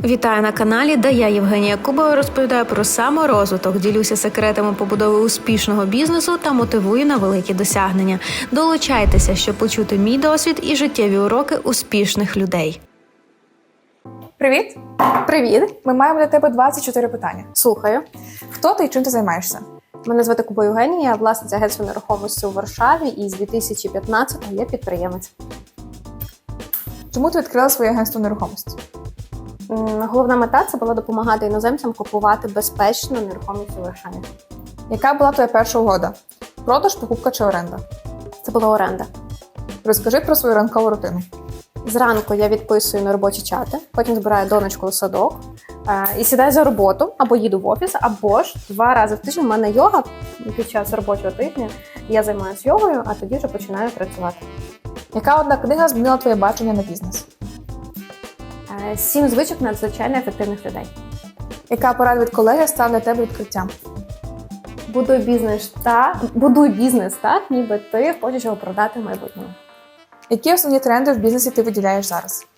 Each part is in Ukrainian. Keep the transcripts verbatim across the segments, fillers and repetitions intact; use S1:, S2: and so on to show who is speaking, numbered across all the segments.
S1: Вітаю на каналі, де я, Євгенія Кубова, розповідаю про саморозвиток, ділюся секретами побудови успішного бізнесу та мотивую на великі досягнення. Долучайтеся, щоб почути мій досвід і життєві уроки успішних людей.
S2: Привіт!
S3: Привіт!
S2: Ми маємо для тебе двадцять чотири питання.
S3: Слухаю.
S2: Хто ти і чим ти займаєшся?
S3: Мене звати Куба Євгенія, я власниця агентства нерухомості у Варшаві, і з дві тисячі п'ятнадцятого я підприємець.
S2: Чому ти відкрила своє агентство нерухомості?
S3: М, Головна мета – це була допомагати іноземцям купувати безпечно нерухомість у Варшаві.
S2: Яка була твоя перша угода? Продаж, покупка чи оренда?
S3: Це була оренда.
S2: Розкажи про свою ранкову рутину.
S3: Зранку я відписую на робочі чати, потім збираю донечку у садок е, і сідаю за роботу, або їду в офіс, або ж два рази в тиждень в мене йога під час робочого тижня. Я займаюся йогою, а тоді вже починаю працювати.
S2: Яка одна книга змінила твоє бачення на бізнес?
S3: Е, Сім звичок надзвичайно ефективних людей.
S2: Яка порада від колеги стала для тебе відкриттям?
S3: Будуй бізнес так, будуй бізнес так, ніби ти хочеш його продати в майбутньому.
S2: Які основні тренди в бізнесі ти виділяєш зараз?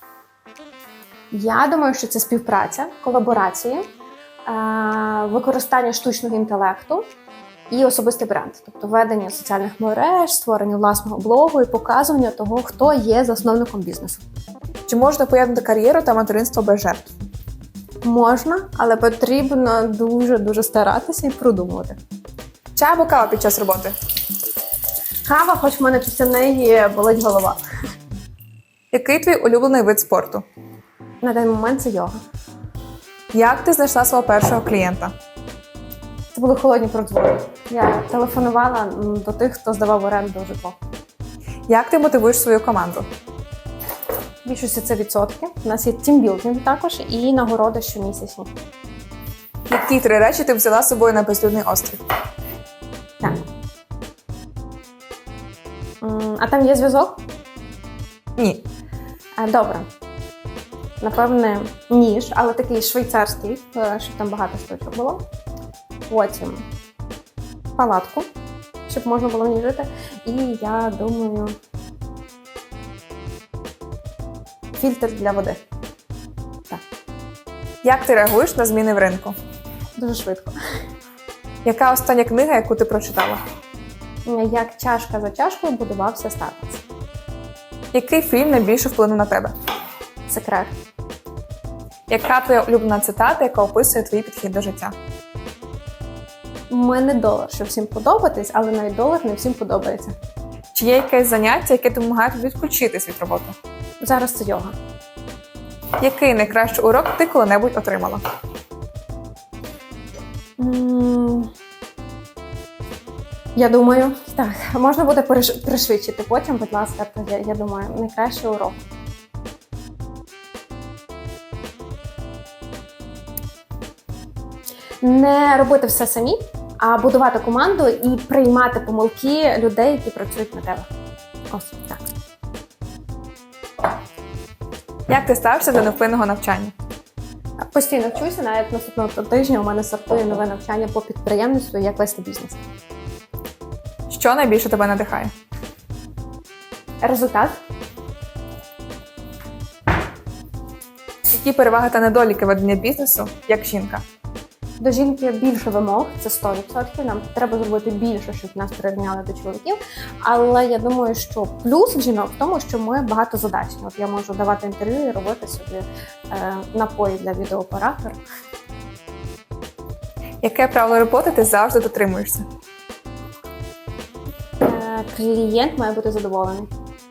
S3: Я думаю, що це співпраця, колаборації, е, використання штучного інтелекту і особистий бренд. Тобто ведення соціальних мереж, створення власного блогу і показування того, хто є засновником бізнесу.
S2: Чи можна поєднати кар'єру та материнство без жертв?
S3: Можна, але потрібно дуже-дуже старатися і продумувати.
S2: Чай або кава під час роботи?
S3: Кава, хоч в мене після неї болить голова.
S2: Який твій улюблений вид спорту?
S3: На даний момент це йога.
S2: Як ти знайшла свого першого клієнта?
S3: Це були холодні продзвони. Я телефонувала м, до тих, хто здавав в оренду житло.
S2: Як ти мотивуєш свою команду?
S3: В більшості це відсотки. У нас є тімбілдинг також і нагороди щомісячні.
S2: Які три речі ти взяла з собою на безлюдний острів?
S3: Так. М, А там є зв'язок?
S2: Ні.
S3: А, Добре. Напевне, ніж, але такий швейцарський, е, щоб там багато штучок було. Потім палатку, щоб можна було в ній жити. І я думаю, фільтр для води. Так,
S2: Як ти реагуєш на зміни в ринку?
S3: дуже швидко.
S2: Яка остання книга, яку ти прочитала?
S3: Як чашка за чашкою будувався статус.
S2: Який фільм найбільше вплинув на тебе?
S3: Секрет.
S2: Яка твоя улюблена цитата, яка описує твій підхід до життя?
S3: У мене долар, щоб всім подобатись, але навіть долар не всім подобається.
S2: Чи є якесь заняття, яке допомагає тобі відключитись від роботи?
S3: Зараз це йога.
S2: Який найкращий урок ти коли-небудь отримала?
S3: М, Я думаю, так, можна буде переш- пришвидшити потім, будь ласка, то я, я думаю, найкращий урок. Не робити все самі, а будувати команду і приймати помилки людей, які працюють на тебе. Ось так.
S2: Як ти ставишся до невпинного навчання?
S3: Постійно вчуся, навіть наступного тижня у мене стартує нове навчання по підприємництву і як вести бізнес.
S2: Що найбільше тебе надихає?
S3: Результат.
S2: Які переваги та недоліки ведення бізнесу як жінка?
S3: До жінки більше вимог, це сто відсотків. Нам треба зробити більше, щоб нас прирівняли до чоловіків. Але я думаю, що плюс в жінок в тому, що ми багатозадачні. От я можу давати інтерв'ю і робити собі е, напої для відеооператора.
S2: Яке правило роботи ти завжди дотримуєшся?
S3: Е, клієнт має бути задоволений.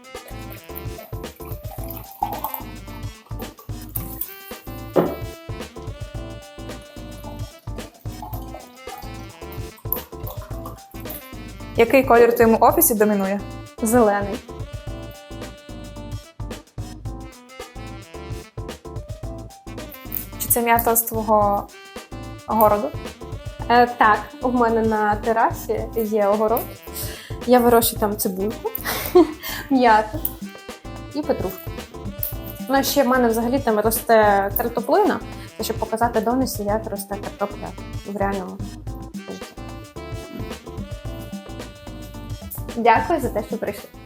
S2: Який колір у твоєму офісі домінує?
S3: Зелений.
S2: Чи це м'ята з твого городу?
S3: Е, так, у мене на терасі є огород. Я вирощую там цибульку, м'яту і петрушку. Ну, а ще в мене взагалі там росте картоплина, це щоб показати донесі, як росте картопля в реальному житті. Дякую за те, що прийшли.